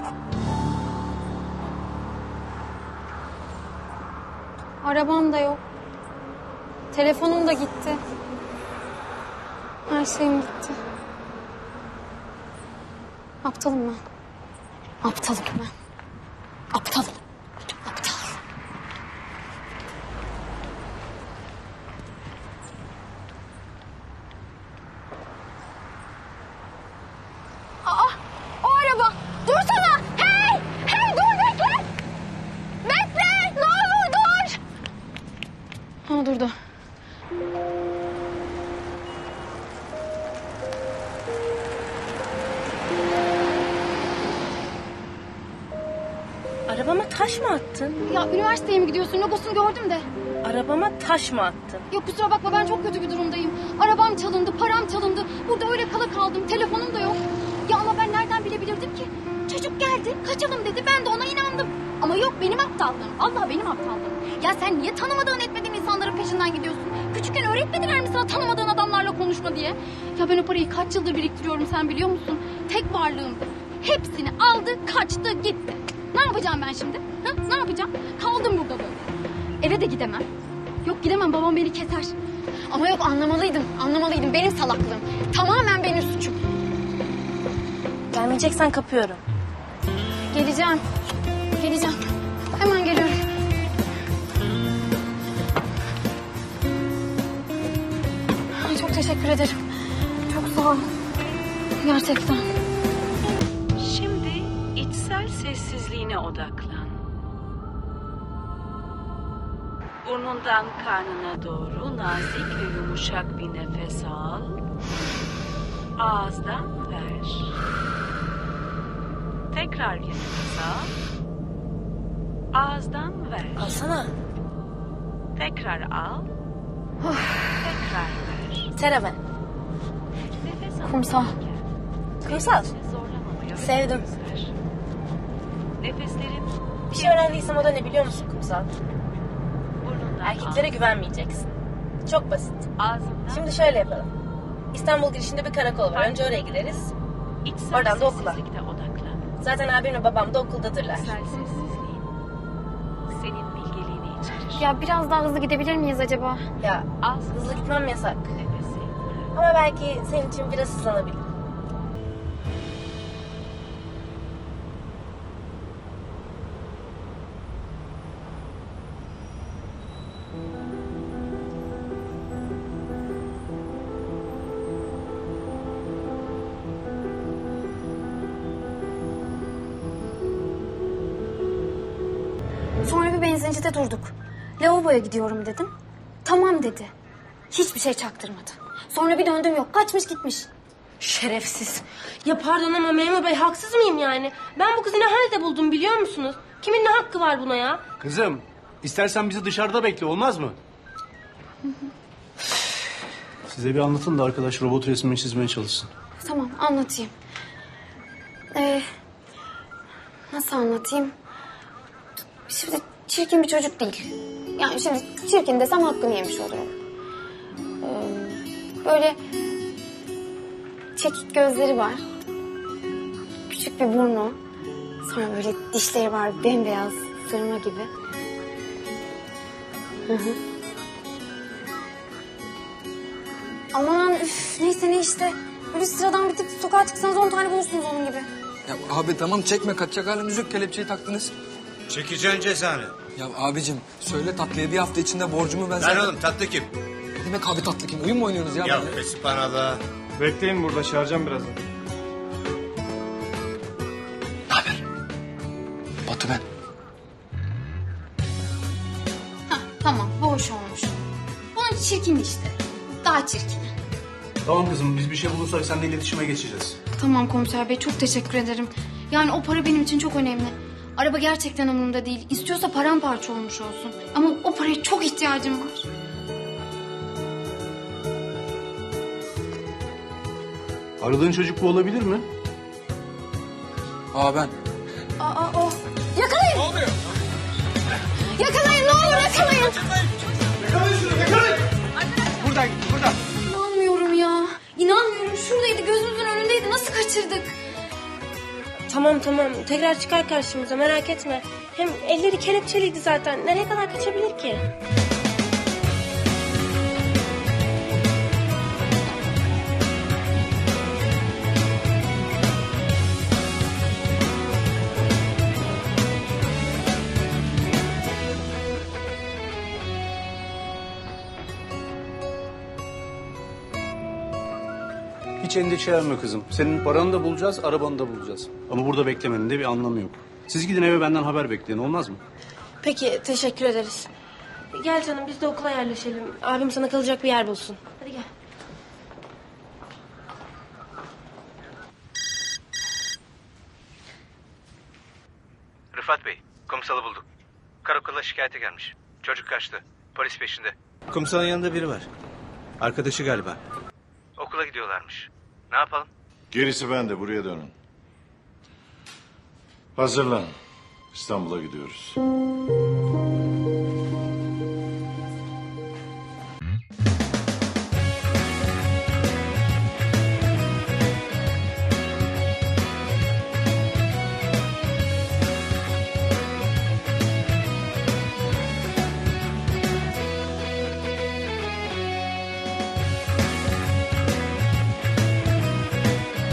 Arabam da yok. Telefonum da gitti. Her şeyim gitti. Aptalım ben. Aptalım ben. Aptalım. Aptal. Aa, o araba. Dursana. Hey! Hey dur bekle. Bekle. Ne olur dur. Ha durdu. Arabama taş mı attın? Ya üniversiteye mi gidiyorsun? Logosunu gördüm de. Arabama taş mı attın? Yok kusura bakma ben çok kötü bir durumdayım. Arabam çalındı, param çalındı. Burada öyle kala kaldım. Telefonum da yok. Ya ama ben nereden bilebilirdim ki? Çocuk geldi, kaçalım dedi. Ben de ona inandım. Ama yok benim aptallığım. Vallahi benim aptallığım. Ya sen niye tanımadığın etmediğin insanların peşinden gidiyorsun? Küçükken öğretmediler mi sana tanımadığın adamlarla konuşma diye? Ya ben o parayı kaç yıldır biriktiriyorum sen biliyor musun? Tek varlığımdı. Hepsini aldı, kaçtı, gitti. Ne yapacağım ben şimdi? Ha? Ne yapacağım? Kaldım burada böyle. Eve de gidemem. Yok gidemem babam beni keser. Ama yok anlamalıydım. Anlamalıydım. Benim salaklığım. Tamamen benim suçum. Gelmeyeceksen kapıyorum. Geleceğim. Geleceğim. Hemen geliyorum. Ay, çok teşekkür ederim. Çok sağ ol. Gerçekten. Şimdi içsel sessizliğine odaklan. Burnundan karnına doğru nazik ve yumuşak bir nefes al. Ağızdan ver. Tekrar bir nefes al. Ağızdan ver. Alsana. Tekrar al. Tekrar ver. Sera ben. Nefes al. Kumsal. Kumsal. Zorlamamaya Sevdim. göster. Nefeslerin Bir şey öğrendiysem o da ne biliyor musun Kumsal? burnundan Erkeklere güvenmeyeceksin. Çok basit. ağzından Şimdi şöyle yapalım. İstanbul girişinde bir karakol var. Önce oraya gideriz. içsel oradan da okula. sessizlikte odaklan. Zaten abimle babam da okuldadırlar. İçsel sessizliğin senin bilgeliğini içerir. Ya biraz daha hızlı gidebilir miyiz acaba? Ya Az hızlı gitmem yasak. nefesi. Ama belki senin için biraz hızlanabilir. Sonra bir benzincide durduk. Lavaboya gidiyorum dedim. Tamam dedi. Hiçbir şey çaktırmadı. Sonra bir döndüm yok. Kaçmış gitmiş. Şerefsiz. Ya pardon ama memur bey haksız mıyım yani? Ben bu kızı ne halde buldum biliyor musunuz? Kimin ne hakkı var buna ya? Kızım, istersen bizi dışarıda bekle, olmaz mı? Size bir anlatın da arkadaş robot resmini çizmeye çalışsın. Tamam anlatayım. Nasıl anlatayım? Şimdi çirkin bir çocuk değil. Yani şimdi çirkin desem hakkını yemiş olurum. Böyle çekik gözleri var. Küçük bir burnu. Sonra böyle dişleri var bembeyaz sırma gibi. Hı hı. Aman üf neyse ne işte. Böyle sıradan bir tip sokağa çıksanız 10 tane bulursunuz onun gibi. Ya abi tamam çekme kaçacak halimiz yok kelepçeyi taktınız. Çekeceksin cezanı. Ya abicim söyle tatlıya bir hafta içinde borcumu ben Lan oğlum tatlı kim? Ne demek abi tatlı kim? Oyun mu oynuyorsunuz ya? Ya benimle? Fesipanalı. Bekleyin burada, çağıracağım birazdan. Naber? Batu ben. Hah, tamam bu hoş olmuş. Bunun çirkin işte. Daha çirkin. Tamam kızım, biz bir şey bulursak seninle iletişime geçeceğiz. Tamam komiser bey çok teşekkür ederim. Yani o para benim için çok önemli. Araba gerçekten umurumda değil. İstiyorsa paramparça olmuş olsun. Ama o paraya çok ihtiyacım var. Aradığın çocuk bu olabilir mi? Aa ben. Aa o. Yakalayın. Ne oluyor? Yakalayın ne olur yakalayın. Buradan, buradan. İnanmıyorum ya. İnanmıyorum. Şuradaydı gözümüzün önündeydi. Nasıl kaçırdık? Tamam tekrar çıkar karşımıza merak etme. Hem elleri kelepçeliydi zaten. Nereye kadar kaçabilir ki? Hiç endişelenme kızım. Senin paranı da bulacağız, arabanı da bulacağız. Ama burada beklemenin de bir anlamı yok. Siz gidin eve benden haber bekleyin, olmaz mı? Peki teşekkür ederiz. Gel canım biz de okula yerleşelim. Abim sana kalacak bir yer bulsun. Hadi gel. Rıfat Bey, kumsalı bulduk. Karakola şikayete gelmiş. Çocuk kaçtı. Polis peşinde. Kumsalın yanında biri var. Arkadaşı galiba. Okula gidiyorlarmış. Ne yapalım? Gerisi bende, buraya dönün. Hazırlan. İstanbul'a gidiyoruz.